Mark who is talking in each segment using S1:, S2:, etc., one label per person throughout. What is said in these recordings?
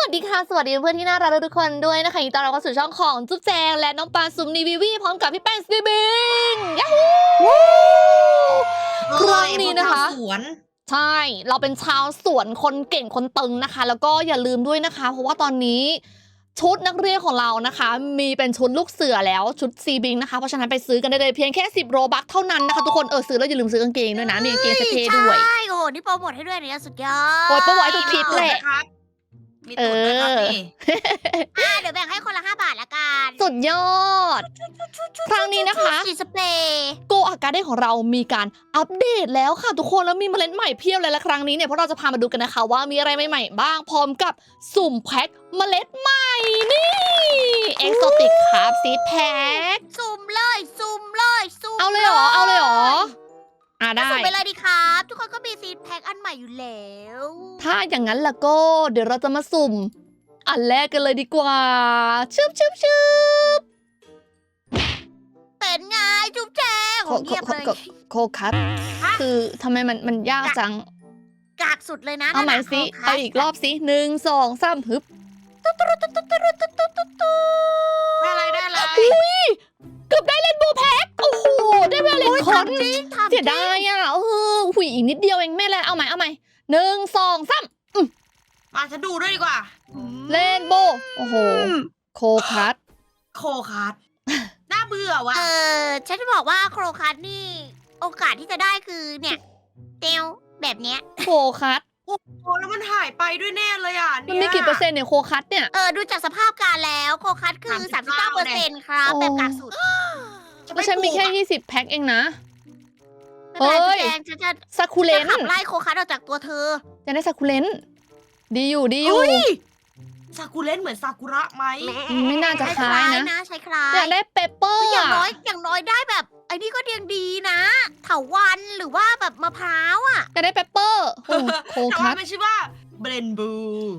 S1: วัสดีค่ะสวัสดีเพื่อนที่น่ารักทุกคนด้วยนะคะยินดีต้อนรับเข้าสู่ช่องของจุ๊บแจงและน้องปานซุมนีวีวีพร้อมกับพี่แป้งสตีบิงยาฮูครั้งนี้นะคะใช่เราเป็นชาวสวนคนเก่งคนตึงนะคะแล้วก็อย่าลืมด้วยนะคะเพราะว่าตอนนี้ชุดนักเรียนของเรานะคะมีเป็นชุดลูกเสือแล้วชุดซีบิงนะคะเพราะฉะนั้นไปซื้อกันได้เลยเพียงแค่10โรบัคเท่านั้นนะคะทุกคนซื้อแล้วอย่าลืมซื้อกางเกงด้วยนะมีกางเกงเท่ด้วย
S2: ใช่โอ้โหนี่โปรโมทให้ด้วยเนี่ยสุดยอด
S1: โอ้ยโปรโมทให้ทุกคลิปแหละ
S3: มีตูดด้วยครับนี่
S2: เดี๋ยวแบ่งให้คนละ5 บาทละกัน
S1: สุดยอดครั้งนี้นะคะ
S2: สีสเปรย์
S1: โกอาการ์เด้ของเรามีการอัปเดตแล้วค่ะทุกคนแล้วมีเมล็ดใหม่เพียบเลยและครั้งนี้เนี่ยพวกเราจะพามาดูกันนะคะว่ามีอะไรใหม่ๆบ้างพร้อมกับสุ่มแพ็คเมล็ดใหม่นี่เอ็กโซติกครับซีดแพ็ค
S2: สุ่มเลยสุ่มเลยสุ่ม
S1: เอาเลยเหรอได้
S2: สุ่มไปเลยดีครับทุกคนก็มีซีดแพ็คอันใหม่อยู่แล้ว
S1: ถ้าอย่างนั้นล่ะก็เดี๋ยวเราจะมาสุ่มอันแรกกันเลยดีกว่าชึบ
S2: เป็นไงจุ๊บแจงเงียบเลย
S1: โคคัสคือทำไมมันยากจัง
S2: กากสุดเลยนะ
S1: เอาใหม่สิเอาอีกรอบสิ1 2 3ฮึบ
S3: ได้อะไร
S1: เกือบได้เล่นโบว์แพ็คโอ้โหได้เวลเลนคอนเสียดายอ่ะหุยอีกนิดเดียวเองไม่เลยเอาใหม่1 2 3
S3: มาฉันดูด้วยดีกว่า
S1: เล่นโบโอ้โหโคคัส
S3: น่าเบื่อว่ะ
S2: ฉันจะบอกว่าโครคัสนี่โอกาสที่จะได้คือเนี่ยเตียวแบบเนี้ย
S1: โคคัส
S3: โอ้โหแล้วมันหายไปด้วยแน่เลยอ่ะ
S1: มันมีกี่เปอร์เซ็นต์เนี่ยโคคัสเนี่ย
S2: ดูจากสภาพการแล้วโคคัสคือ39%ครับแบบกากสุด
S1: แล้วฉันมีแค่20แพ็คเองนะ
S2: เฮ้ยฉันจะ
S1: ซากุเลน
S2: ขับไล่โคคัสออกจากตัวเธอ
S1: จะได้ซากุเลนดีอยู่
S3: ซากุเลนเหมือนซากุระไหม
S1: ไม่น่าจะคล้ายนะ
S2: ใช่คล้าย
S1: อยากได้เปเปอร์
S2: อย่างน้อยได้แบบไอ้นี่ก็ยังดีนะเถาวันหรือว่าแบบมะพร้าวอ่ะ
S1: อยากได้เปเปอร์โคคัส
S3: มันชื่อว่าเบรนบู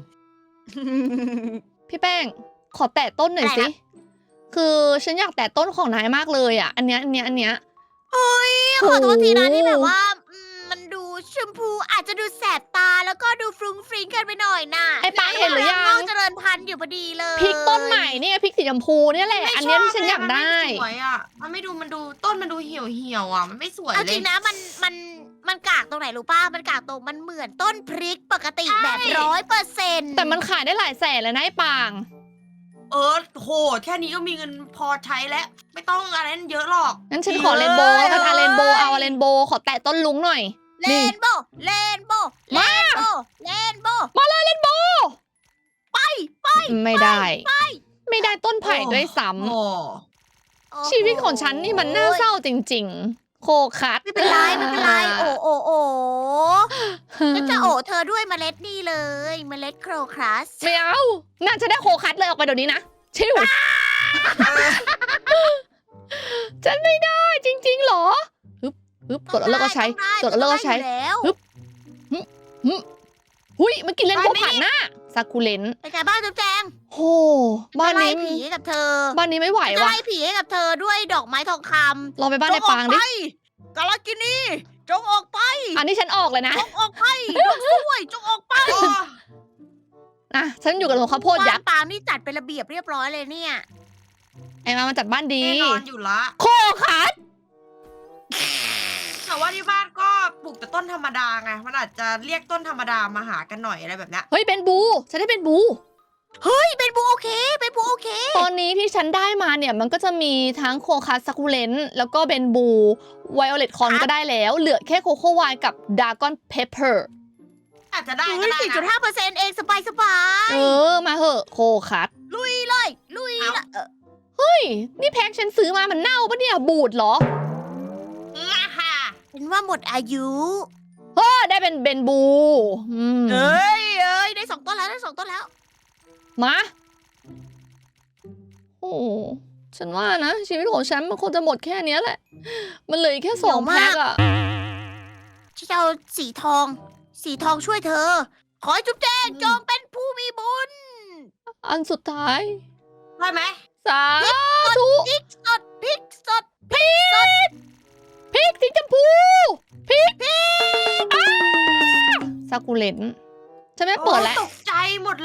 S1: พี่แป้งขอแตะต้นหน่อยสิคือฉันอยากแตะต้นของนายมากเลยอ่ะอันเนี้ย
S2: เฮ้ยขอโทษทีนะนี่แบบว่ามันดูชมพูอาจจะดูแสบตาแล้วก็ดูฟรุ้งฟริ้งกันไปหน่อยน่ะ
S1: ไอ้ปางเห็นหรือยัง
S2: เจริญพันธุ์อยู่พอดีเลย
S1: พริกต้นใหม่นี่พริกสีชมพูเนี่ยแหละอันนี้ที่ฉันอยากได้
S3: สวยอ่ะมันไม่ดูมันดูต้นมันดูเหี่ยวอ่ะมันไม่สวยเลย
S2: จริงนะมันกากตรงไหนรู้ป่ะมันกากตรงมันเหมือนต้นพริกปกติแบบ100%
S1: แต่มันขายได้หลายแสนเลยนะไอ้ปาง
S3: โหแค่นี้ก็มีเงินพอใช้แล้วไม่ต้องอะไรนั้นเยอะหรอก
S1: งั้นฉันขอเรนโบว์แล้วกันเรนโบว์เอาเรนโบว์ขอแตะต้นลุงหน่อย
S2: เรนโบว์มาเลยเรนโบว์
S1: มาเลยเรนโบว์
S2: ไป
S1: ไม่ได้ต้นไผ่ด้วยซ้ำชีวิตของฉันนี่มันน่าเศร้าจริงๆโคคัส
S2: ไม่เป็นไรโอ้ฉันจะเธอด้วยเมล็ดนี่เลยเมล็ดโครคัส
S1: ไม่เอาน่าจะได้โคคัสเลยออกไปเดี๋ยวนี้นะชิวฉันไม่ได้จริงๆหรอฮึบกดแล้วก็ใช้ฮึบหุยมันกินเล่นโบผ่านหน้าซากุเลน
S2: ไปแกบ้านจุ๊บแจง
S1: โหบ้านนี้
S2: ผีให้กับเธอ
S1: บ้านนี้ไม่ไหวว่ะ
S2: ไล่ผีให้กับเธอด้วยดอกไม้ทองคำ
S1: ลองไปบ้านในปางดิ
S2: กาลกินีจงออกไป
S1: อันนี้ฉันออกเลยนะ
S2: จงออกไปดอกสวยจงออกไป
S1: นะฉันอยู่กับหลวงข้าวโพดยักษ์
S2: ปางนี่จัดเป็นระเบียบเรียบร้อยเลยเนี่ย
S1: ไอ้มาจัดบ้านดี
S3: แน่นอนอยู่ละ
S1: โคคัส
S3: แต่ว่าที่บ้านก็ปลูกแต่ต้นธรรมดาไงมันอาจจะเรียกต้นธรรมดามาหากันหน่อยอะไรแบบนี้
S1: เฮ้ยเป็นบูฉันได้เป็นบู
S2: เฮ้ยเป็นบูโอเค
S1: ตอนนี้ที่ฉันได้มาเนี่ยมันก็จะมีทั้งโคคัสซากุเลนแล้วก็เบนบูไวโอเลตคอนก็ได้แล้วเหลือแค่โคโค่ไวน์กับดากอนเพปเปอร์
S3: อาจจะได้ก็ได้
S2: นะ 4.5% เองสบาย
S1: มาเหอะโคคัส
S2: ลุย
S1: เฮ้ยนี่แพ็คฉันซื้อมามันเน่าปะเนี่ยบูดเหรอ
S2: เป็นว่าหมดอายุ
S1: ได้เป็นเบนบู
S2: เอ้ยได้2 ต้นแล้ว
S1: มาโอ้ฉันว่านะชีวิตของฉันมันคงจะหมดแค่นี้แหละมันเหลือแค่2 แพ็คอะ
S2: ฉันจะเอาสีทองช่วยเธอขอให้จุ๊บแจงจงเป็นผู้มีบุญ
S1: อันสุดท้าย
S3: ได้ไหม
S1: สาธุ
S2: พริกสดพริก
S1: สีชมพูพริกซากุเลนฉันไม่เปิดแล้ว
S3: ตกใจหมดเลย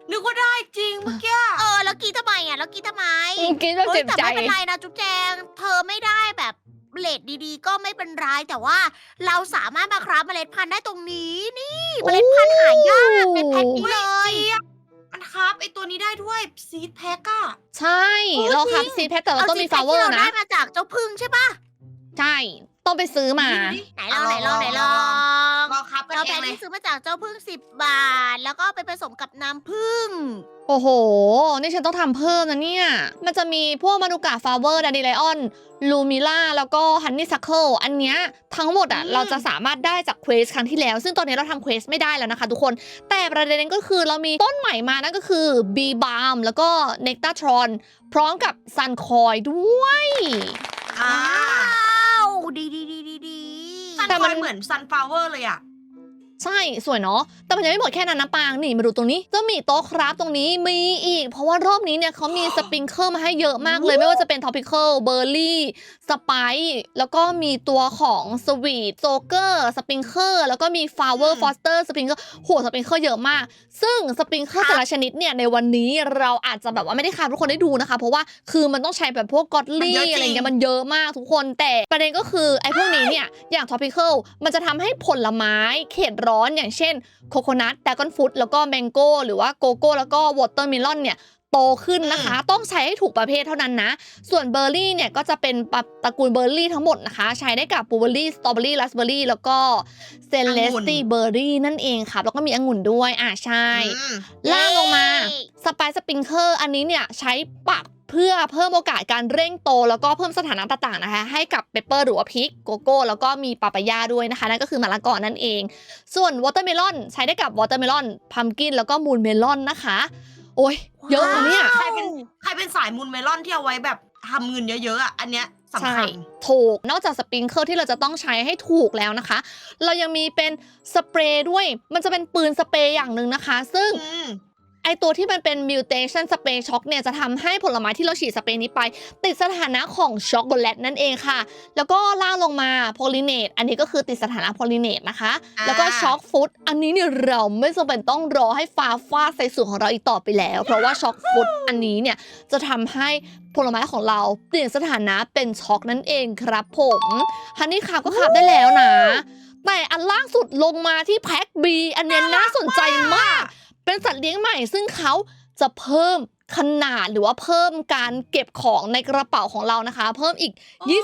S3: นึกว่าได้จริงเมื่อกี้
S2: แล้วกี้ทำไมอ่ะแล้วกี้ทำไม
S1: กินแบบเจ็บ
S2: แต่
S1: ใจ
S2: ไม่เป็นไรนะจุ๊บแจง เธอไม่ได้แบบเรทดีๆ ก็ไม่เป็นไรแต่ว่าเราสามารถมาคราฟเมล็ดพันธุ์ได้ตรงนี้นี่เมล็ดพันธุ์หายากในแพ็คนี้เลย
S3: มันครับไอตัวนี้ได้ด้วยซีดแพ็กอะ
S1: ใช่เราครับซีแพทแต่เราต้องมีฟลาเวอร์
S2: ที่เรา
S1: นะ
S2: ได้มาจากเจ้าพึ่งใช่ปะ
S1: ใช่ต้องไปซื้อมา
S2: ไหนลอง
S3: ลองครับกัน
S2: เรา
S3: เอ
S2: แพ็
S3: ง
S2: ค
S3: เลย
S2: ที่ซื้อมาจากเจ้าพึ่ง10 บาท แล้วก็ไปผสมกับน้ำผึ้ง
S1: โอ้โห นี่ฉันต้องทำเพิ่มนะเนี่ย มันจะมีพวกมานูกาฟลาเวอร์ดาดิไลออนลูมิล่าแล้วก็ฮันนี่ซัคเคิลอันเนี้ยทั้งหมดอ่ะเราจะสามารถได้จากเควสครั้งที่แล้ว ซึ่งตอนนี้เราทำเควสไม่ได้แล้วนะคะทุกคน แต่ประเด็นก็คือเรามีต้นใหม่มานั่นก็คือบีบาร์มแล้วก็เนกตาทรอนพร้อมกับซันคอยด้วย
S3: อ่า
S2: ว้าวดี
S3: ซัน
S1: แต่
S3: ค
S1: มั
S3: อน ยเหมือนซันฟลาวเวอร์เลยอะ
S1: ใช่สวยเนาะแต่มันยังไม่หมดแค่นั้นนะปางนี่มาดูตรงนี้จะมีโต๊ะคราฟตรงนี้มีอีก เพราะว่ารอบนี้เนี่ยเขามีสปริงเกิลมาให้เยอะมากเลย ไม่ว่าจะเป็นท็อปิเคิลเบอร์รี่สไปซ์แล้วก็มีตัวของสวีทโซเกอร์สปริงเกิลแล้วก็มีฟลาวเวอร์ฟอสเตอร์สปริงเกิลโหสปริงเกิลเยอะมาก ซึ่งสปริงเกิลแต่ละชนิดเนี่ยในวันนี้เราอาจจะแบบว่าไม่ได้คราฟทุกคนได้ดูนะคะ เพราะว่าคือมันต้องใช้แบบพวกกอตลี่อะไรเงี้ยมันเยอะมากทุกคนแต่ประเด็นก็คือไอ้พวกนี้เนี่ยอย่างท็อปิเคิลมันจะทำให้ผลไม้เขตร้อนอย่างเช่นโคโคนัทดากอนฟรุตแล้วก็แมงโก้หรือว่าโกโก้แล้วก็วอเตอร์เมลอนเนี่ยโตขึ้นนะคะ ต้องใช้ให้ถูกประเภทเท่านั้นนะ ส่วนเบอร์รี่เนี่ยก็จะเป็นตระกูลเบอร์รี่ทั้งหมดนะคะ ใช้ได้กับบลูเบอร์รี่สตรอเบอร์รี่ราสเบอร์รี่แล้วก็เซเลสตี้เบอร์รี่นั่นเองค่ะแล้วก็มีองุ่นด้วยใช่ ล่างลงมาสไปซ์สปริงเกอร์อันนี้เนี่ยใช้ปักเพื่อเพิ่มโอกาสการเร่งโตแล้วก็เพิ่มสถานะต่างๆนะคะให้กับเปปเปอร์หรือว่าพริกโกโก้แล้วก็มีปาปายาด้วยนะคะนั่นก็คือมะละกอนั่นเอง ส่วนวอเตอร์เมลอนใช้ได้กับวอเตอร์เมลอนพัมกินแล้วก็มูนเมลอนนะคะโอ้ยเยอะนะเนี่ย
S3: ใครเป็นสายมูนเมลอนที่เอาไว้แบบทำเงินเยอะๆอะอันเนี้ยสำ
S1: ใช่
S3: คัญ
S1: ถูกนอกจากสปริงเกิลที่เราจะต้องใช้ให้ถูกแล้วนะคะ เรายังมีเป็นสเปรย์ด้วยมันจะเป็นปืนสเปรย์อย่างหนึ่งนะคะ ซึ่งไอตัวที่มันเป็น mutation spray shock เนี่ยจะทำให้ผลไม้ที่เราฉีดสเปรย์นี้ไป ติดสถานะของช็อกโกแลตนั่นเองค่ะ แล้วก็ล่างลงมา pollinate อันนี้ก็คือติดสถานะ pollinate นะคะ แล้วก็ช็อกฟูดอันนี้เนี่ยเราไม่จำเป็นต้องรอให้ฟ้าฟาดใส่สูตรของเราอีกต่อไปแล้ว เพราะว่าช็อกฟูดอันนี้เนี่ยจะทำให้ผลไม้ของเราเปลี่ยนสถานะเป็นช็อกนั่นเองครับผมฮันนี่ขับก็ขับได้แล้วนะ แต่อันล่างสุดลงมาที่แพ็ค B อันเนี้ยน่าสนใจมาก เป็นสัตว์เลี้ยงใหม่ซึ่งเขาจะเพิ่มขนาดหรือว่าเพิ่มการเก็บของในกระเป๋าของเรานะคะ เพิ่มอีก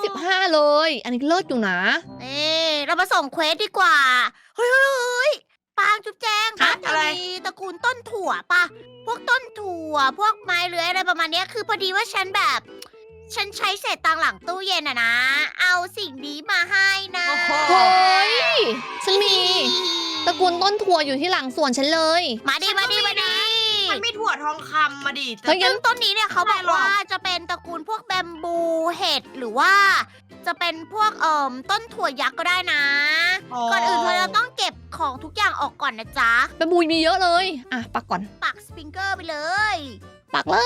S1: 25 เลย อันนี้เลิศอยู่นะ
S2: เรามาส่งเควสดีกว่าเฮ้ยปางจุ๊บแจง
S3: ฮะ
S2: มันจะ
S3: อะไร
S2: มีตระกูลต้นถั่วปะพวกต้นถั่วพวกไม้เลื้อยอะไรประมาณเนี้ยคือพอดีว่าฉันใช้เศษตังค์หลังตู้เย็นอะนะ เอาสิ่งนี้มาให้นะ
S3: โอ้โห
S1: เฮ้ย ฉันมีตระกูลต้นถั่วอยู่ที่หลังสวนฉันเลย
S2: มาดิ
S3: มันไม่ถั่วทองคำมาดิแต่
S1: เฮ้ยงั้
S2: ซึ่งต้นนี้เนี่ยเขาบอกว่าจะเป็นตระกูลพวกแบมบูเห็ดหรือว่าจะเป็นพวกต้นถั่วยักษ์ก็ได้นะ ก่อนอื่นเธอจะต้องเก็บของทุกอย่างออกก่อนนะจ๊ะ
S1: เป็นบุยมีเยอะเลย อ่ะ ปักก่อน
S2: ปักสปริงเกอร์ไปเลย
S1: ปักเลย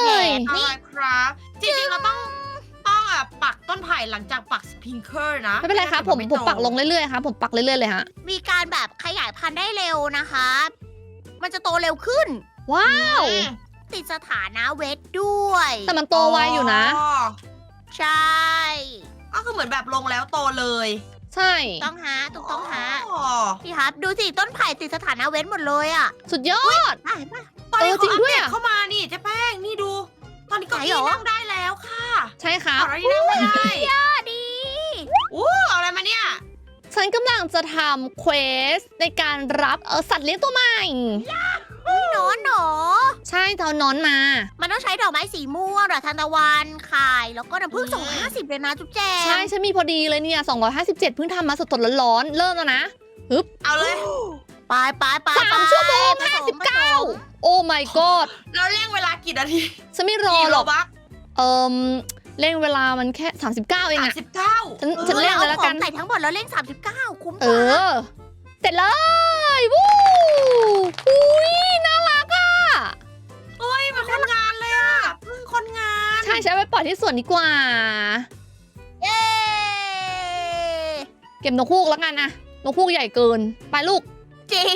S3: อะไรครับ จริงๆเราต้องปักต้นไผ่หลังจากปักสปริงเกอร์นะ
S1: ไม่เป็นไรครับผมปักลงเรื่อยๆครับผมปักเรื่อยๆเลยฮะ
S2: มีการแบบขยายพันธุ์ได้เร็วนะคะ มันจะโตเร็วขึ้น
S1: ว้าว
S2: ติดสถานะเวทด้วย
S1: แต่มันโตไวอยู่นะ
S2: ใช่
S3: ก็คือเหมือนแบบลงแล้วโตเลย
S1: ใช่
S2: ต้องหาถูกต้องหา
S3: อ๋อ
S2: พี่ครับดูสิต้นไผ่ติดสถานะเวทหมดเลยอ่ะ
S1: สุดยอด
S2: ไปไป
S3: ตอนนี้
S1: จริ
S3: เขา
S1: ง
S3: อัป
S1: ด้วย
S3: เดต
S1: อะ
S3: เข้ามานี่เจ๊แป้งนี่ดู ตอนนี้เก็
S2: ไหน
S3: อี้
S2: เหรอ
S3: นั่งได้แล้วค่ะ
S1: ใช่ครับ
S3: อะไรนั่งไม่ได้
S2: ดี
S3: อู้เอาอะไรมาเนี่ย
S1: ฉันกำลังจะทำเควสในการรับสัตว์เลี้ยงตัวใหม่
S2: หนอนหนอ
S1: ใช่เท่านอนมา
S2: มันต้องใช้ดอกไม้สีม่วงดอกทานตะวันไข่แล้วก็น้ำผึ้ง250เลยนะจุ๊บแจง
S1: ใช่ฉันมีพอดีเลยเนี่ย 257เพิ่งทำมาสดๆร้อนๆเริ่มแล้วนะ
S3: เอาเลย
S2: ไปไปไป
S1: 3 ชั่วโมง
S2: ผสม
S1: 59 โอ้ my god
S3: เราเร่งเวลากี่นาที
S1: ฉันไม่รอ
S3: กี่
S1: หร
S3: โล
S1: อก
S3: บัก
S1: เร่งเวลามันแค่ 39 เองอะ
S3: 39
S1: ฉันเร่งเลยแล้วกัน
S2: ใส่ทั้งหมดแล้วเร่ง39คุ้มก
S1: เอ
S2: ว่า
S1: อ เสร็จเลยวู้อุ้ยน่ารักอ่ะ
S3: เฮ้ยมันคนงานเลยอ่ะเพิ่งคนงาน
S1: ใช่ใช้ไปปล่อยที่สวนดีกว่า
S2: เย้
S1: เก็บนกฮูกแล้วกันนะนกฮูกใหญ่เกิน ไปลูก
S2: จริง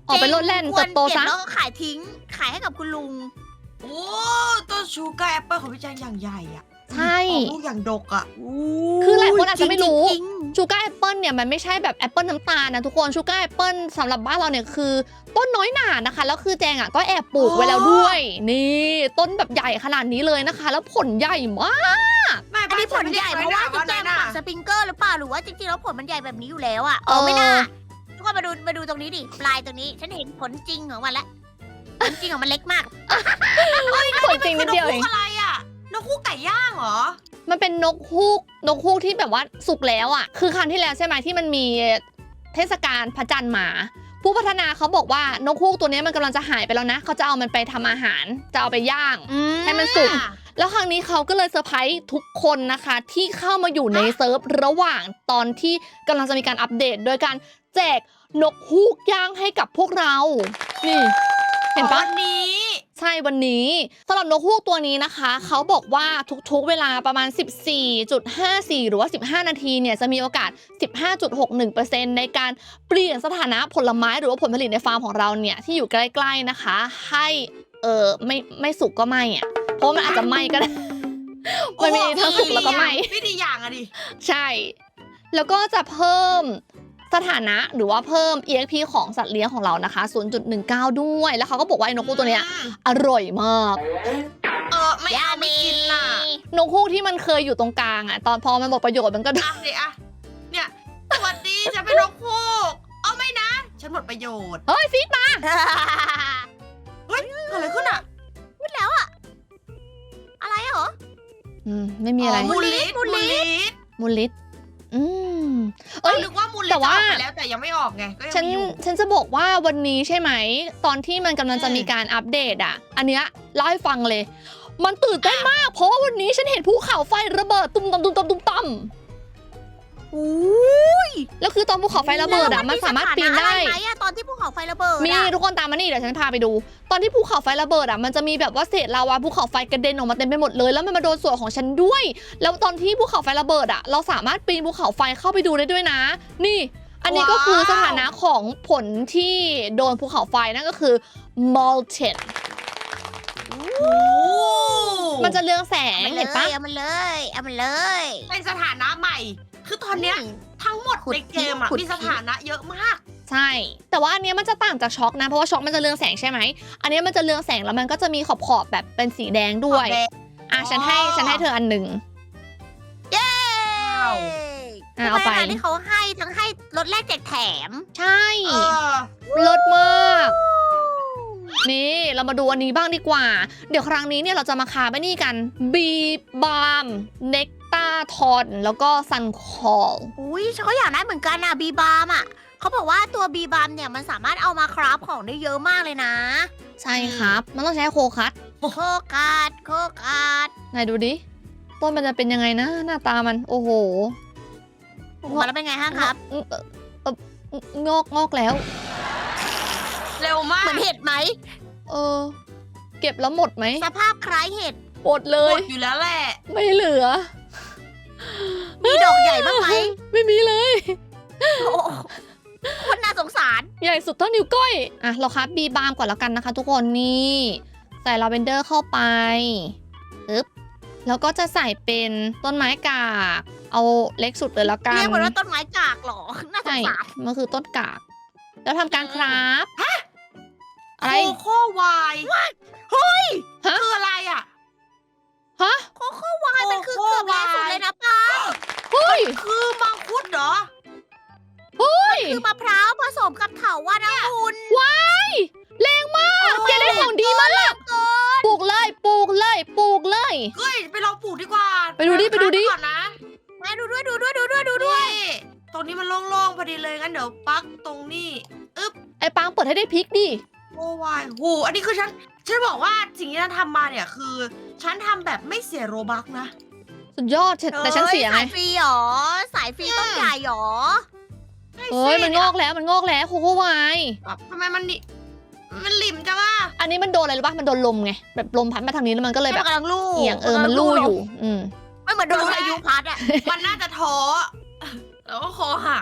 S1: ออกไปโลดแล่นเติบโตซะ
S2: แล้วก็ขายทิ้งขายให้กับคุณลุง
S3: โอ้ต้นชูการ์แอปเปิลของพี่แจงอย่างใหญ่อ่ะ
S1: ใช่
S3: ออกลูกอย่างดกอ่ะ
S1: คือหลายคนอาจจะไม่รู้
S2: จริง
S1: ชูการ์แอปเปิลเนี่ยมันไม่ใช่แบบแอปเปิลน้ำตาลนะทุกคนชูการ์แอปเปิลสำหรับบ้านเราเนี่ยคือต้นน้อยหนานะคะแล้วคือแจงอ่ะก็แอบปลูกไว้แล้วด้วย นี่ต้นแบบใหญ่ขนาดนี้เลยนะคะ แล้วผลใหญ่มาก
S3: ไม่
S2: อันนี้ผลใหญ่เพราะว่าจุ๊บแจงปักสปริงเกอร์หรือเปล่าหรือว่าจริงๆแล้วผลมันใหญ่แบบนี้อยู่แล้วอ่ะไม่น่าทุกคนมาดูตรงนี้ดิปลายตรงนี้ฉันเห็นผลจริงของมันแล้วผลจริงของมันเล็กมาก
S1: ผลจริงนิดเดียวเอง
S3: นกฮูกอะไรอ่ะนกฮูกไก่ย่างเหรอ
S1: มันเป็นนกฮูกที่แบบว่าสุกแล้วอ่ะคือครั้งที่แล้วใช่ไหมที่มันมีเทศกาลพระจันทร์มาผู้พัฒนาเขาบอกว่านกฮูกตัวนี้มันกำลังจะหายไปแล้วนะเขาจะเอามันไปทำอาหารจะเอาไปย่าง ให้มันสุก แล้วครั้งนี้เขาก็เลยเซอร์ไพรส์ทุกคนนะคะที่เข้ามาอยู่ในเซิร์ฟระหว่างตอนที่กำลังจะมีการอัปเดต โดยการแจกนกฮูกย่างให้กับพวกเรา นี่ เห็นปะ
S3: วันนี้
S1: ใช่วันนี้สำหรับนกฮูกตัวนี้นะคะเขาบอกว่าทุกๆเวลาประมาณ 14.54 หรือว่า15 นาทีเนี่ยจะมีโอกาส 15.61% ในการเปลี่ยนสถานะผลไม้หรือว่าผลผลิตในฟาร์มของเราเนี่ยที่อยู่ใกล้ๆนะคะให้ไม่สุกก็ไม่อ่ะเพราะมันอาจจะไหม้ก็ได้ มันมีทั้งสุกแล้วก็ไหม้
S3: ไม่ดีอย่างอะดิ
S1: ใช่ แล้วก็จะเพิ่มสถานะหรือว่าเพิ่ม EXP ของสัตว์เลี้ยงของเรานะคะ 0.19 ด้วย แล้วเขาก็บอกว่าไอ้นกฮูกตัวเนี้ยอร่อยมาก
S3: ไม่เอาไม่กินล่ะ
S1: นกฮูกที่มันเคยอยู่ตรงกลางอ่ะตอนพอมันหมดประโยชน์มันก็
S3: อ่ะดิอ่ะเนี่ยสวัสดีฉันเป็นนกฮูกเอาไม่นะ ฉันหมดประโยชน์
S1: เฮ้ยฟีดมา
S3: เฮ้ยเกิดอะไรขึ้นอ่ะ
S2: พูดแล้วอะอะไรเหรอ
S1: ไม่มีอะไร
S3: มูลิส
S1: มูลิส
S3: เอ้ยนึกว่ามูลิส
S1: แต่
S3: จะอ
S1: ว่า
S3: อกไปแล้วแต่ยังไม่ออกไงก็ยัง
S1: ฉัน
S3: มีอยู่
S1: ฉันจะบอกว่าวันนี้ใช่ไหมตอนที่มันกำลังจะมีการอัปเดตอ่ะ อันเนี้ยเล่าให้ฟังเลย มันตื่นเต้นมาก เพราะว่าวันนี้ฉันเห็นภูเขาไฟระเบิดตุ้มตำตุ้มตำตุ้มตำ
S2: อุ้ย
S1: แล้วคือตอนภูเขาไฟระเบิดอ่ะมันสามารถปีนได้
S2: ไหมอะตอนที่ภูเขาไฟระเบิด
S1: มีทุกคนตามมานี่เดี๋ยวฉันพาไปดู ตอนที่ภูเขาไฟระเบิดอ่ะมันจะมีแบบว่าเศษลาวาภูเขาไฟกระเด็นออกมาเต็มไปหมดเลยแล้วมันมาโดนส่วนของฉันด้วย แล้วตอนที่ภูเขาไฟระเบิดอ่ะเราสามารถปีนภูเขาไฟเข้าไปดูได้ด้วยนะ นี่ อันนี้ก็คือสถานะของผลที่โดนภูเขาไฟนั่นก็คือ molten มันจะเรืองแสงเห็นปะ
S2: เอามันเลยเอามันเลย
S3: เป็นสถานะใหม่ คือตอนเนี้ยทั้งหมดในเกมอะมีสถานะเยอะมาก
S1: ใช่ แต่ว่าอันเนี้ยมันจะต่างจากช็อกนะเพราะว่าช็อกมันจะเรืองแสงใช่ไหมอันเนี้ยมันจะเรืองแสงแล้วมันก็จะมีขอบๆแบบเป็นสีแดงด้วย
S3: ขอบแดง
S1: อ่ะฉันให้เธออันหนึ่ง
S2: เย้
S1: เอาไป
S2: ที่เขาให้ทั้งให้รถแรกแจกแถม
S1: ใช่
S3: เออ
S1: เลิศมาก นี่เรามาดูอันนี้บ้างดีกว่า เดี๋ยวครั้งนี้เนี่ยเราจะมาคาไปนี่กันบีบามเนกตาทอนแล้วก็ซันคอล
S2: อุ้ยฉันก็อยากได้เหมือนกันอะบีบามอะเขาบอกว่าตัวบีบามเนี่ยมันสามารถเอามาคราฟของได้เยอะมากเลยนะ
S1: ใช่ครับ มันต้องใช้โคคัต
S2: โคการ์ดโคการ์ด
S1: ไหนดูดิ ต้นมันจะเป็นยังไงนะ หน้าตามัน โอ้โห
S2: มาแล้วเป็นไงฮะครับ
S1: งอกแล้ว
S3: เร็วมาก
S2: เหมือนเห็ดไหม
S1: เก็บแล้วหมดไหม
S2: สภาพคล้ายเห็ด
S1: หมดเล
S3: หม
S1: ย
S3: ดอยู่แล้วแหละ
S1: ไม่เหลือ
S2: มีดอกใหญ่บ้างไหม
S1: ไม่มีเลย
S2: โอ้โหคนน่าสงสาร
S1: ใหญ่สุดเท่านิ้วก้อย อ่ะ เราครับบีบามก่อนแล้วกันนะคะทุกคนนี่ ใส่ลาเวนเดอร์เข้าไปปึ๊บ แล้วก็จะใส่เป็นต้นไม้กาก เอาเล็กสุดเลยแล้วกัน
S2: เรียกมันว่าต้นไม้กากเหรอ น่าส
S1: ใช่
S2: งสาร
S1: มันคือต้นกาก แล้วทำการคราฟอะไร
S3: โคโค่วาย
S2: เฮ้ย
S1: ฮะ
S3: คืออะไรอ่ะ
S1: ฮะ
S2: โคโค่วายมันคือเกือบแรงสุดเลยนะป้า
S1: เฮ้ย
S3: คือมังคุดเหรอ
S2: คือมะพร้าวผสมกับเถาวัลย์องุ่น
S1: ว้ายแรงมากแกได้ของดีมาก
S2: เกิน
S1: ปลูกเลย ปลูกเลย ปลูกเลย
S3: เฮ้ย ไปลองปลูกดีกว่า
S1: ไปดูดิไปดูดิ
S3: ก่อนนะ
S2: แม่ดูด้วยดูด้วย
S3: นี่ตรงนี้มันโล่งๆพอดีเลยงั้นเดี๋ยวปักตรงนี้
S1: ไอ้ปังเปิดให้ได้พริกดิ
S3: โอ้วายโหอันนี้คือฉันบอกว่าสิ่งที่ฉันทำมาเนี่ยคือ ฉันทำแบบไม่เสียโรบัคนะ
S1: สุดยอดแต่ฉันเสียไง
S2: สายฟรีหรอ สายฟรีต้นใหญ่หรอ
S1: เฮ้ยมันงอกแล้วโคโค่วาย
S3: แบบทำไมมันนี่มันหลิมจังอ่ะ
S1: อันนี้มันโดนอะไรรู้ป่ะมันโดนลมไงแบบลมพัดมาทางนี้แล้วมันก็เลยแบบ
S2: กำลังลู่
S1: เอียงมันลู่อยู่
S2: ไม่เหมือนโดนพายุพัดอะ
S3: มันน่าจะท้อแล้วก็คอหัก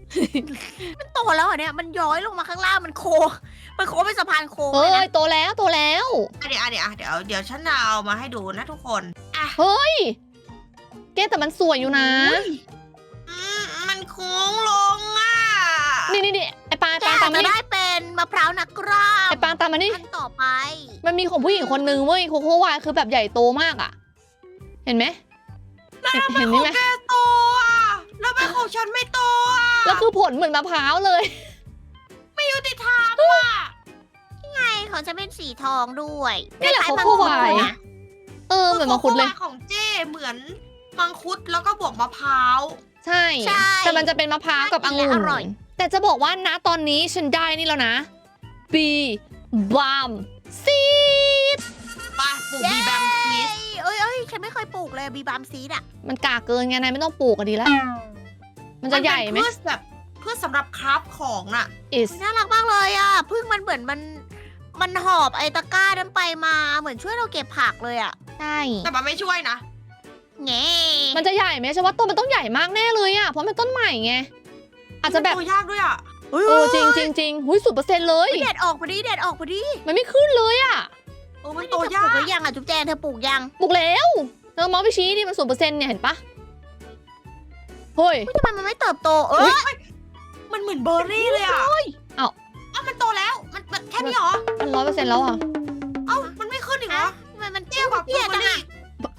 S2: มันโตแล้วเหรอเนี่ยมันย้อยลงมาข้างล่างมันโค้งเป็นสะพานโค้ง
S1: เฮ้
S2: เลย
S1: ย
S2: นะ
S1: โตแล้วโตแล้ว
S3: เดี๋ยวฉันจะเอามาให้ดูนะทุกคนอ่ะ
S1: เฮ้ยแกแต่มันสวยอยู่นะ
S3: มันโค้งลงอ่ะ
S1: นี่ไอ้ปาง
S2: แก
S1: ตาม
S2: อาจ
S1: มา
S2: จะ
S1: นี่
S2: ได้เป็นมะพร้าวนักกล้าม
S1: ไอ้ปางตามมานี่
S2: ขั้นต่อไป
S1: มันมีของผู้หญิงคนนึงเว้ยโคโค่วายคือแบบใหญ่โตมากอ่ะ เห็นไหมเห็น
S3: ข
S1: นี่
S3: อง
S1: ไหม
S3: แกโตอ่ะแล้วเป็นของฉันไม่โตอ่ะ
S1: แล้วคือผลเหมือนมะพร้าวเลย
S3: ไม่ยุติธรรมอ่ะ
S2: ไงของฉันเป็นสีทองด้วย
S1: นี่แหละ
S2: คล้ายๆ
S1: โคโค่วาย
S2: มังคุดนะ
S1: เหมือนมังคุดเลย
S3: ของเจ้เหมือนมังคุดแล้วก็บวกมะพร้าว
S1: ใช่ แต่มันจะเป็นมะพร้าวกับองุ่นแต่จะบอกว่านะตอนนี้ฉันได้นี่แล้วนะบีบามซีด
S3: ปะปลูกบีแบมชีส
S2: เอ้ยฉันไม่เคยปลูกเลยบีบามซีดอ่ะ
S1: มันกาเกินไงนายไม่ต้องปลูกก็ดีแล้ว มันจะใหญ่ไหม
S3: เพื่อแบบเพื่อสำหรับคราฟของน่ะ
S1: is
S2: น่ารักมากเลยอ่ะพึ่งมันเหมือนมันหอบไอ้ตะกร้านั้นไปมาเหมือนช่วยเราเก็บผักเลยอ่ะ
S1: ใช่
S3: แต่มันไม่ช่วยนะ
S2: แง่
S1: มันจะใหญ่ไหมฉันว่าต้นมันต้องใหญ่มากแน่เลยอ่ะเพราะมันต้นใหม่ไงอาจจะแบบ
S3: ตัวยากด้วยอ่ะ
S1: จริงหุย0%เลย
S2: เด็ดออกพอดีเด็ดออกพอดี
S1: มันไม่ขึ้นเลยอ่ะ
S3: มัน
S2: เธ
S3: โต
S2: อปลู
S3: ยาก ก
S2: หรือยังอ่ะจุ๊บแจงเธอปลูกยัง
S1: ปลูกแล้วเธอมองไปชี้ดิมัน0%เนี่ยเห็นปะเฮ้ย
S2: ทำไมมันไม่เติบโต
S3: มันเหมือนเบอร์รี่เลยอ่ะมันโตแล้วมันแค่นี้เหรอ
S1: มัน100%แล้วอ่ะ
S3: มันไม่ขึ้นอีกเหรอ
S2: ทำไมมัน
S3: เตี้ยกว่า
S2: เตี้ย
S3: เบอ
S2: จัง
S3: ร์รี่
S2: อ่ะ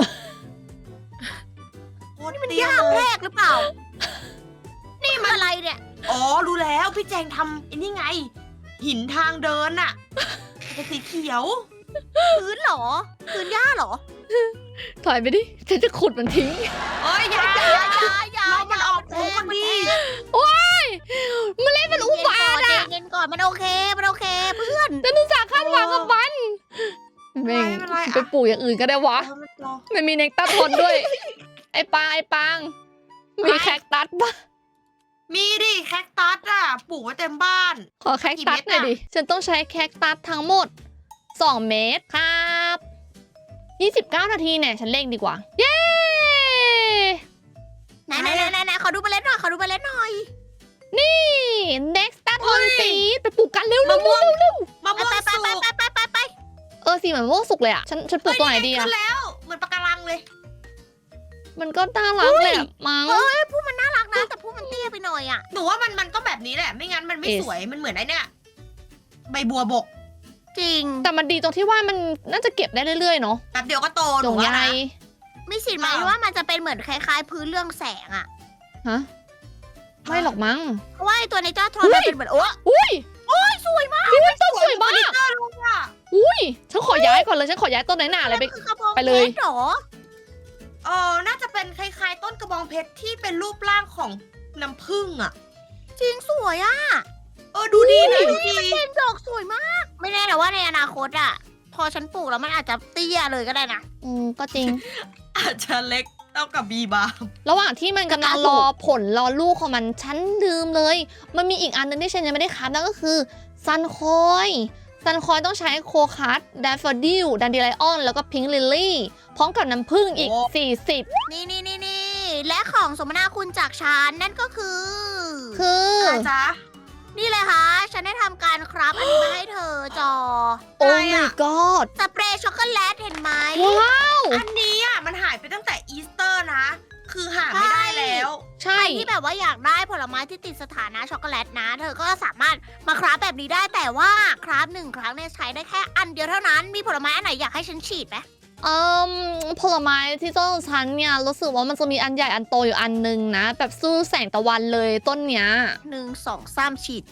S3: โคตร
S2: มัน
S3: เตี้ย
S2: ยาก
S3: เล
S2: แร
S3: ย
S2: กหรือเปล่า นี่มันอะไรเนี่ย
S3: อ๋อรู้แล้วพี่แจงทำไอ้นี่ไง หินทางเดินอ่ะเป็นสีเขียว
S2: พื้นเหรอพื้นหญ้าเหรอ
S1: ถอยไปดิฉันจะขุดมันทิ้ง
S3: เอ้ยอย่า
S2: อย่า
S3: เรามันออกผลพอดี
S1: มันเล่นมันอุบาทอ่ะ
S2: เย็นก่อนมันโอเคเพื่อน
S1: แต่นุสาคาดหวังกับมันแม่ง
S3: ไม่เป็นไร
S1: ไปปลูกอย่างอื่นก็ได้วะ ไม่มีเนกตัสทนด้วย ไอ้ปาง มีแคคตัสปะ
S3: มีดิแคคตัสอ่ะปลูกไว้เต็มบ้าน
S1: ขอแคคตัสหน่อยดิ ฉันต้องใช้แคคตัสทั้งหมด 2 เมตรครับ29 นาทีเนี่ย ฉันเร่งดีกว่า เย้
S2: ไหนขอดูเมล็ดหน่อย
S1: นี่ next ตัสทนซีดไปปลูกกันเร็ว
S3: มะม่วง มะ
S2: ไป
S3: ม่วง
S2: ไป
S3: สุก
S2: ไป
S1: สีเหมือนมะม่วงสุกเลยอ่ะ ฉันปลูกตัวไหนดี
S3: ขึ้
S1: อ่ะ
S3: นแล้ว เหมือนปะการังเลย
S1: มันก็น่ารักเลยอะมั้ง
S2: เฮ้ยผู้มันน่ารักนะแต่ผู้มันเตี้ยไปหน่อยอ่ะ
S3: หนูว่ามันต้องแบบนี้แหละ ไม่งั้นมันไม่
S1: Yes
S3: สวย มันเหมือนไอ้เนี่ยใบบัวบก
S2: จริง
S1: แต่มันดีตรงที่ว่ามันน่าจะเก็บได้เรื่อยๆเนาะ
S3: แป๊บเดียวก็โตห
S1: จ
S3: นู
S1: ง
S3: ว่า
S1: ใย
S3: นะ
S2: มีสิทธิ์ไหมว่ามันจะเป็นเหมือนคล้ายๆพื้นเรื่องแสงอ่ะ
S1: ฮะ ไม่หรอกมั้ง
S2: เพราะว่าไอ้ตัวในเจ้าทรอนมันเป็นเหมือน
S1: อุ้ย
S2: สวยมาก
S1: นี่มันต้นสวยมาก
S3: ลูกอ่ะ
S1: อุ้ย ฉันขอย้ายก่อนเลย ฉันขอย้ายต้นไหนหนาเลยไป
S2: นั่นคือกระบอง
S1: ไปเลย
S2: พชรหรอ
S3: น่าจะเป็นคล้ายๆ ต้นกระบองเพชรที่เป็นรูปร่างของน้ำผึ้งอ่ะ
S2: จริงสวยอ่ะ
S3: ดูดีนะดูดี
S2: เป็นดอกสวยมาก ไม่แน่แต่ว่าในอนาคตอ่ะ พอฉันปลูกแล้วมันอาจจะเตี้ยเลยก็ได้นะ
S1: ก็จริง
S3: อาจจะเล็กเท่ากับบีบาร์
S1: ระหว่างที่มันกำลังรอผลรอลูกของมัน ฉันลืมเลย มันมีอีกอันนึงที่ฉันยังไม่ได้คัดนั่นก็คือซันคอยต้องใช้โคคัสแดฟเฟอร์ดิลดันเดไลออนแล้วก็พิงค์ลิลลี่พร้อมกับน้ำผึ้งอีก 40
S2: นี่และของสมนาคุณจากฉันนั่นก็คือ
S1: คือ
S3: จ๊ะ
S2: นี่เลยค่ะ ฉันได้ทำการครับอันนี้มาให้เธอจอ
S1: โอ้
S3: อะไร
S1: my
S3: อะ
S1: god
S2: สเปรย์ช็อกโกแลตเห็นไหม
S1: ว้าว
S3: อันนี้อ่ะมันหายไปตั้งแต่อีสเตอร์นะ คือหาไม่ได้แล้ว
S1: ใช่
S2: ใครที่แบบว่าอยากได้ผลไม้ที่ติดสถานะช็อกโกแลตนะ เธอก็สามารถมาคราฟแบบนี้ได้แต่ว่าคราฟ1 ครั้งเนี่ยใช้ได้แค่อันเดียวเท่านั้น มีผลไม้อันไหนอยากให้ฉันฉีดไหม
S1: ผลไม้ที่ต้นของฉันเนี่ยรู้สึกว่ามันจะมีอันใหญ่อันโตอยู่อันนึงนะ แบบสู้แสงตะวันเลยต้นเนี้ย
S2: 1 2 3ฉีด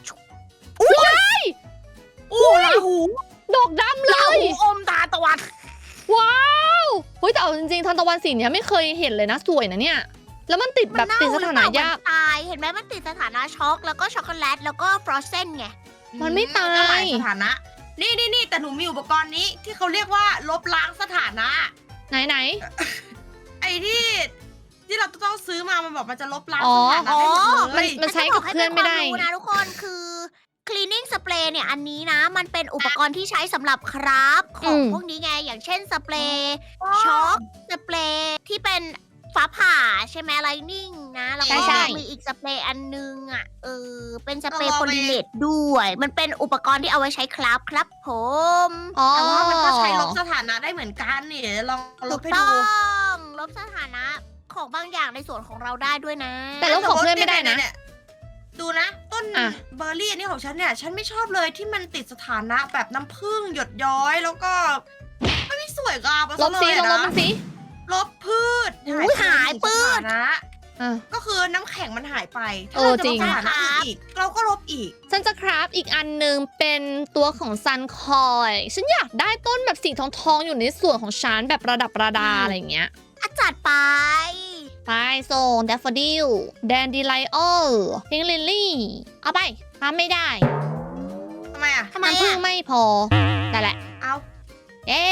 S3: ลาหู
S1: ดอกดำเล
S2: ลาย หูอมตาตะวัน
S1: ว้าวเฮ้ยแต่เอาจริงๆทันตะวันสีเนี้ยไม่เคยเห็นเลยนะสวยนะเนี่ย แล้วมันติดแบบติดสถานะยาก
S2: มันตายเห็นไหมมันติดสถานะช็อกแล้วก็ช็อกโกแลตแล้วก็ฟรอสเซนไง
S1: มันไม่ตาย
S3: ก็หลสถานะ นี่แต่หนูมีอุปกรณ์นี้ที่เขาเรียกว่าลบล้างสถานะ
S1: ไหน
S3: ไอ้ที่เราต้องซื้อมามันบอกมันจะลบล้าง
S1: อ๋อ
S3: สถานะได้หมดเลย
S1: มันใช้กับเพื่อนไม่ได้
S2: ฉัจะบอกให้เป็นความรู้นะทุกคนคือ cleaning spray เนี่ยอันนี้นะ มันเป็นอุปกรณ์ที่ใช้สำหรับคราฟของพวกนี้ไง อย่างเช่นสเปรย์ช็อกสเปรย์ที่เป็นฟ้าผ่าใช่ไหมไลนิ่งนะแล้วก็
S1: ใช่
S2: มีอีกสเปรย์อันนึงอ่ะเป็นสเปรย์โพลิเนตด้วย มันเป็นอุปกรณ์ที่เอาไว้ใช้ครับผม
S1: อ๋อ
S3: แต่ว่ามันก็ใช้ลบสถานะได้เหมือนกันนี่ลองล
S2: ถู
S3: บ
S2: ก
S3: ให้
S2: ต้
S3: ดู
S2: องลบสถานะของบางอย่างในส่วนของเราได้ด้วยนะ
S1: แต่ลบของเพื่อนไม่ได้นะ
S3: เนี่ยดูนะ ต้น
S1: อ่ะ
S3: เบอร์รี่อันนี้ของฉันเนี่ยฉันไม่ชอบเลยที่มันติดสถานะแบบน้ำผึ้งหยดย้อยแล้วก็ไม่สวยงามมา
S1: ล
S3: ซะ
S1: บ
S3: เล
S1: สิ
S3: ย
S1: ลองลบ
S3: นะ
S1: มันสิ
S3: ลบพืช
S2: หายปื้
S3: ส
S2: ด
S3: ถานะ
S1: อ่ะ
S3: ก็คือน้ำแข็งมันหายไปถ้า
S1: เออ
S3: เราจะ
S1: จริ
S3: ล
S1: ง
S3: บสถานะอีกเราก็ลบอีก
S1: ฉันจะคราฟอีกอันหนึ่งเป็นตัวของซันคอยฉันอยากได้ต้นแบบสีทองๆอยู่ในส่วนของฉันแบบประดับประดาอะไรอย่างเงี้ย
S2: จัดไป
S1: ไปส่งแดฟฟอดิลแดนดีไลโอพิงลิลลี่เอาไปทำไม่ได้
S3: ทำไมอ่ะ
S2: ทำไม
S1: มันพึ่ง
S2: อ่ะ
S1: ไม่พอแต่นแหละ
S3: เอา
S1: เย้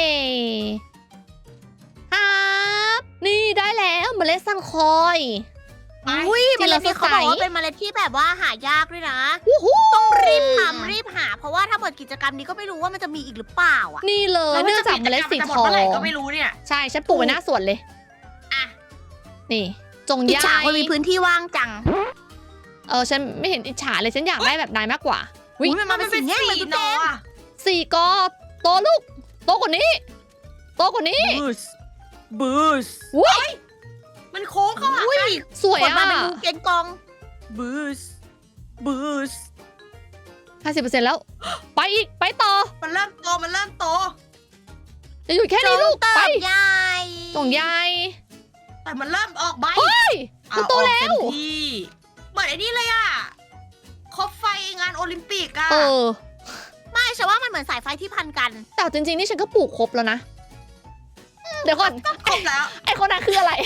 S1: ครับนี่ได้แล้วเมล็ดซันคอย
S2: อุ้ย
S1: ที่
S2: เม
S1: เรา
S2: ล็ดนี้เขา
S1: สดใส
S2: บอกว่าเป็นเมล็ดที่แบบว่าหายากด้วยนะ
S1: วู้ฮู้
S2: ต้องรีบทำรีบหา เพราะว่าถ้าหมดกิจกรรมนี้ก็ไม่รู้ว่ามันจะมีอีกหรือเปล่าอ่ะ
S1: นี่เลยเนื่องจากเมล็ดสี
S3: จะหม
S1: ท
S3: ด
S1: อง
S3: เมื่อไหร่ก็ไม่รู้เนี่ย
S1: ใช่ฉันปลูกไว้หน้าสวนเลย
S3: อ่ะ
S1: นี่ จง
S2: อิจ
S1: ย้า
S2: ฉาย คนมีพื้นที่ว่างจัง
S1: ฉันไม่เห็นอิจฉาเลยฉันอยากได้แบบนายมากกว่า
S2: อุ๊ยมันเป็นสีแง่งเหมือน
S3: สี
S2: ตุ๊ก
S3: น
S2: แก
S3: ออ่ะ
S1: สี่กอโตลูกโตกว่านี้โตกว่านี้
S2: บูส
S1: ว้ย
S3: มันโค้งเข้าหา
S2: อุ้ย
S1: สวย
S2: กด
S1: อ่ะ
S2: มาเป็นงูเกนกอง
S4: บูส
S1: 50%แล้ว ไปอีกไปต่อ
S3: มันเริ่มโตมันเริ่มโต
S1: จะอยู่แค่นี้ลูก
S2: เติ
S1: ไป
S2: บใหญ่
S1: จงยาย
S3: แต่มันเริ่มออกใบ
S1: เฮ้ย มันโต
S3: เอาออก
S1: แล้ว
S3: เต็มที่เหมือนไอ้นี่เลยอ่ะคบไฟงานโอลิมปิกอ่ะ
S1: เออ
S2: ไม่ฉันว่ามันเหมือนสายไฟที่พันกัน
S1: แต่จริงๆนี่ฉันก็ปลูกครบแล้วนะ เดี๋ยวก่อน
S3: ครบแล้ว
S1: ไอคนนั้นคืออะไร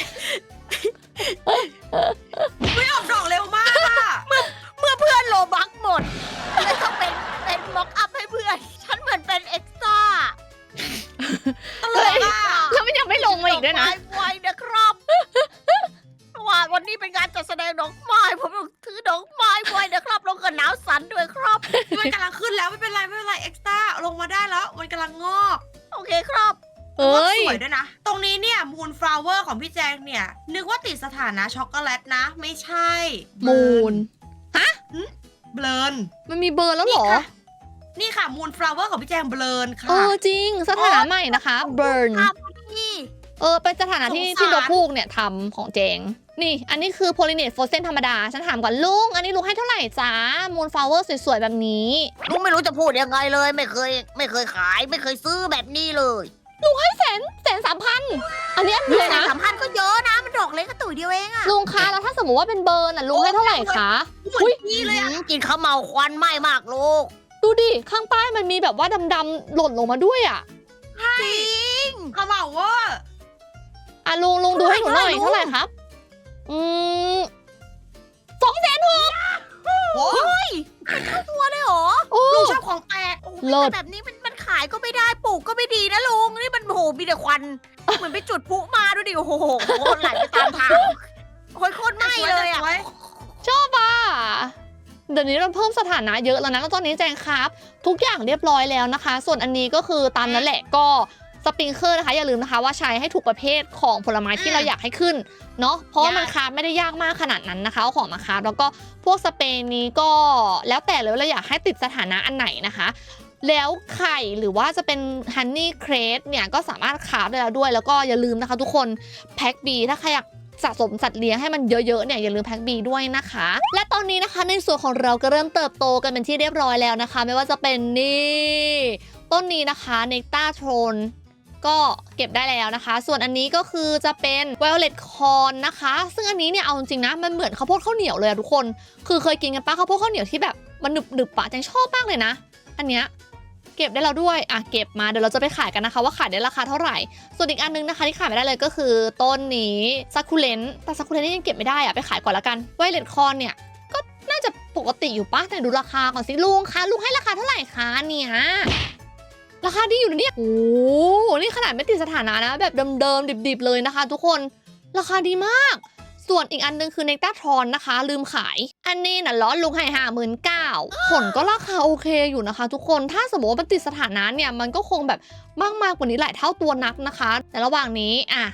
S3: ไม่ออกดอกเร็วมากอ่ะ
S2: เมื่อเพื่อนโลบักหมดเลยต้องเป็นม็อกอัพให้เพื่อน ฉันเหมือนเป็นเอ็กซ์ตร้า
S3: ตลกอ่ะ
S1: แล้วมันยังไม่ลงมาอีกด้วยนะ
S2: ดไม้นะครับเพราะว่าวันนี้เป็นงานจัดแสดงดอกไม้ผมต้องถือดอกไม้ไว้นะครับลงกับหนาวสันด้วยครับ
S3: มันกำลังขึ้นแล้วไม่เป็นไรไม่เป็นไรเอ็กซ์ต้าลงมาได้แล้ว มันกำลังงอก
S2: โอเคครับ
S1: เอ้ย
S3: สวยด้วยนะ ตรงนี้เนี่ยมูนฟลาวเวอร์ของพี่แจงเนี่ย นึกว่าติดสถานะช็อกโกแลตนะ ไม่ใช่
S1: มูน
S3: เบลน
S1: มันมีเบอร์แล้วเหรอ
S3: นี่ค่ะมูนฟลาวเวอร์ของพี่แจงเบลนค่ะ
S1: เออจริง สถานะใหม่นะคะ burn
S2: ครับพี่
S1: เป็นสถานะที่
S3: สงสาร
S1: ที่นกพูกเนี่ยทำของเจง นี่ อันนี้คือ pollinate frozen ธรรมดา ฉันถามก่อนลุง อันนี้ลุงให้เท่าไหร่จ้า moon flower สวยๆ แบบนี้
S2: ลุงไม่รู้จะพูดยังไงเลย ไม่เคยขายไม่เคยซื้อแบบนี้เลย
S1: 1,300,000 อันนี้อันเดียวนะ
S2: สัมพันธ์ก็เยอะนะ มันดอกเล็กกระตุ่ยเดียวเองอะ
S1: ลุงคะ แล้วถ้าสมมติว่าเป็นเบิร์นอ่ะลุงให้เท่าไหร่คะ
S3: เหมือนพี่เลยอ่ะ
S2: กินข้าวเมาควันไหม้มากลูก
S1: ดูดิ ข้างใต้มันมีแบบว่าดำๆหล่นลงมาด้วยอ่ะ
S2: จริง
S3: ขม่าเวอร์
S1: อ่ะลุงดูให้หนูหน่อย
S2: เท่า
S1: เท่า
S2: ไห
S1: ไห
S2: ร่
S1: ร่
S2: ลุง
S1: ครับ
S3: โอ้
S2: ตัวเลยเหรอ
S1: โอ้
S3: ลูกชอบของแปลก
S1: เลิศ
S2: แต่แบบนี้มันขายก็ไม่ได้ปลูกก็ไม่ดีนะลุงนี่มันโหมีแต่ควัน เหมือนไปจุดพลุมาดูดิโอ้โหไหลไปตามทางโอ้ยโคตรไหม้เลยอ่ะ
S3: สวย
S1: ชอบอ่ะ เดี๋ยวนี้เราเพิ่มสถานะเยอะแล้วนะแล้วตอนนี้แจงครับ ทุกอย่างเรียบร้อยแล้วนะคะ ส่วนอันนี้ก็คือตามนั้นแหละก็สปริงเกอร์นะคะ อย่าลืมนะคะว่าใช้ให้ถูกประเภทของผลไม้ที่เราอยากให้ขึ้นเนาะเพราะว่ามันคราฟไม่ได้ยากมากขนาดนั้นนะคะเอาของมาคราฟแล้วก็พวกสเปรย์นี้ก็แล้วแต่เลยว่าเราอยากให้ติดสถานะอันไหนนะคะ แล้วไข่หรือว่าจะเป็นฮันนี่เครสเนี่ยก็สามารถคราฟได้แล้วด้วย แล้วก็อย่าลืมนะคะทุกคนแพ็คบีถ้าใครอยากสะสมสัตว์เลี้ยงให้มันเยอะๆเนี่ยอย่าลืมแพ็คบีด้วยนะคะ และตอนนี้นะคะในส่วนของเราก็เริ่มเติบโตกันเป็นที่เรียบร้อยแล้วนะคะ ไม่ว่าจะเป็นนี่ต้นนี้นะคะเนกตาโทนก็เก็บได้แล้วนะคะ ส่วนอันนี้ก็คือจะเป็น Violet Corn นะคะ ซึ่งอันนี้เนี่ยเอาจริงๆนะมันเหมือนข้าวโพดข้าวเหนียวเลยอะทุกคนคือเคยกินกันปะข้าวโพดข้าวเหนียวที่แบบมันหนึบๆปะจังชอบมากเลยนะอันเนี้ยเก็บได้แล้วด้วยอ่ะเก็บมาเดี๋ยวเราจะไปขายกันนะคะว่าขายได้ราคาเท่าไหร่ส่วนอีกอันนึงนะคะที่ขายไม่ได้เลยก็คือต้นนี้ซักคูเลนแต่ซักคูเลนนี่ยังเก็บไม่ได้อ่ะไปขายก่อนละกัน Violet Corn เนี่ยก็น่าจะปกติอยู่ปะแต่ดูราคาก่อนสิลุงคะลุงให้ราคาเท่าไหร่คะเนี่ยราคาดีอยู่นะเนี่ยโอ้โหนี่ขนาดไม่ติดสถานะนะแบบเดิมๆดิบๆเลยนะคะ ทุกคนราคาดีมากส่วนอีกอันนึงคือเนกตาทรอนนะคะลืมขายอันนี้น่ะล้อลุงให้59,000ผลก็ราคาโอเคอยู่นะคะ ทุกคนถ้าสมมติว่ามันติดสถานะเนี่ยมันก็คงแบบมากกว่านี้หลายเท่าตัวนักนะคะแต่ระหว่างนี้อ่ะ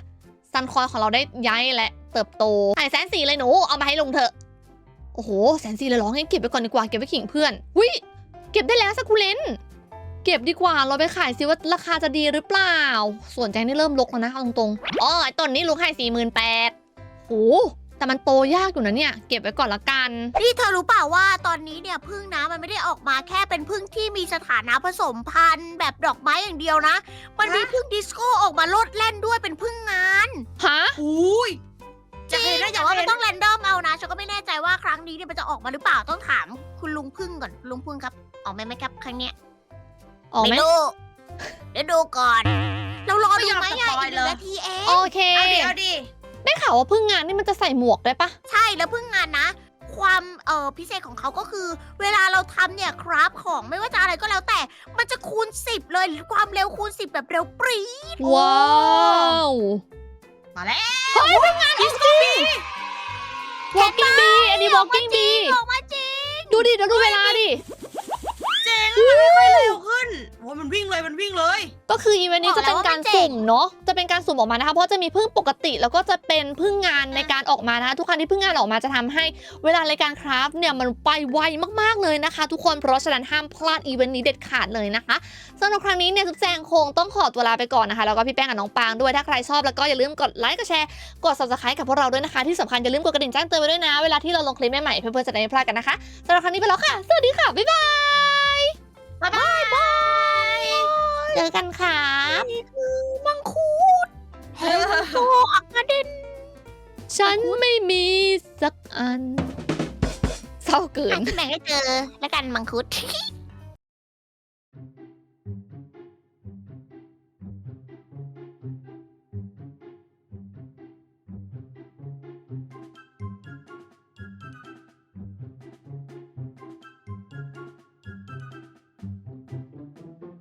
S1: ซันคอยของเราได้ย้ายและเติบโตไข่140,000เลยหนูเอามาให้ลุงเถอะโอ้โห140,000เลยเหรองั้นเก็บไปก่อนดีกว่าเก็บไว้ขิงเพื่อนหุ้ยเก็บได้แล้วสักคูเลนเก็บดีกว่าเราไปขายซิว่าราคาจะดีหรือเปล่าส่วนแจงนี่เริ่มลกแล้วนะเอาตรงๆอ๋อไอ้ต้นนี้ลุงให้48,000โอ้แต่มันโตยากอยู่นะเนี่ยเก็บไว้ก่อนละกัน
S2: นี่เธอรู้เปล่าว่าตอนนี้เนี่ยพึ่งนะมันไม่ได้ออกมาแค่เป็นพึ่งที่มีสถานะผสมพันธุ์แบบดอกไม้อย่างเดียวนะ มันมีพึ่งดิสโก้ออกมาโลดแล่นด้วยเป็นพึ่งงาน
S1: ฮะ
S3: อุ้ย
S2: จริงแต่ว่ามันต้องแรนดอมเอานะฉันก็ไม่แน่ใจว่าครั้งนี้เนี่ยมันจะออกมาหรือเปล่าต้องถามคุณลุงพึ่งก่อนลุงพึ่งครับออกไหมครับครั้งเนี้ย
S1: ออกไหม
S2: ไม่รู้เดี๋ยวดูก่อน เรารอดูไหมอ่ะอีก1 นาทีเอง
S1: โอเค
S3: เอาดิ
S1: ได้ข่าวว่าพึ่งงานนี่มันจะใส่หมวกได้ปะ
S2: ใช่แล้วพึ่งงานนะ ความพิเศษของเขาก็คือ เวลาเราทำเนี่ยคราฟของไม่ว่าจะอะไรก็แล้วแต่มันจะคูณ10เลยความเร็วคูณ10แบบเร็วปรี๊ด
S1: ว้าว
S3: มาแล้ว
S1: เฮ้ยพึ่งงานจริง Walking Bee อันนี้ Walking Bee
S2: ออกมาจริง
S1: ดูดิเดี๋ยวดูเวลาดิ
S3: เจ๋งมันค่อยๆเร็วขึ้นโอ้ยมันวิ่งเลย
S1: ก็คืออีเวนต์นี้จะเป็นการสุ่มเนาะจะเป็นการสุ่มออกมานะคะเพราะจะมีพึ่งปกติแล้วก็จะเป็นพึ่งงานในการออกมานะคะทุกครั้งที่พึ่งงานออกมาจะทำให้เวลาในการคราฟเนี่ยมันไปไวมากๆเลยนะคะ ทุกคนเพราะฉะนั้นห้ามพลาดอีเวนต์นี้เด็ดขาดเลยนะคะสำหรับครั้งนี้เนี่ยทุกแจงคงต้องขอตัวลาไปก่อนนะคะแล้วก็พี่แป้งกับน้องปางด้วยถ้าใครชอบแล้วก็อย่าลืมกดไลค์กดแชร์กด subscribe กับพวกเราด้วยนะคะที่สำคัญอย่าลืมกดกระดิ่งแจ้งเตือนไว้ด้วยนะเวลาที่เราลงคลิปใหม่ๆเพื่อนๆจะได้ไม่พลาดกันนะคะสำหรับครั้งนี้ไปแล้วค่ะสวัสดีค่ะบ๊ายบาย
S3: บ๊ายบาย
S1: เจอกันค่ะ
S2: นี่คือมังคุดเฮลโซอักเดน
S1: ฉันไม่มีสักอันเศร้าเกิน
S2: แบ่งให้เจอแล้วกันมังคุด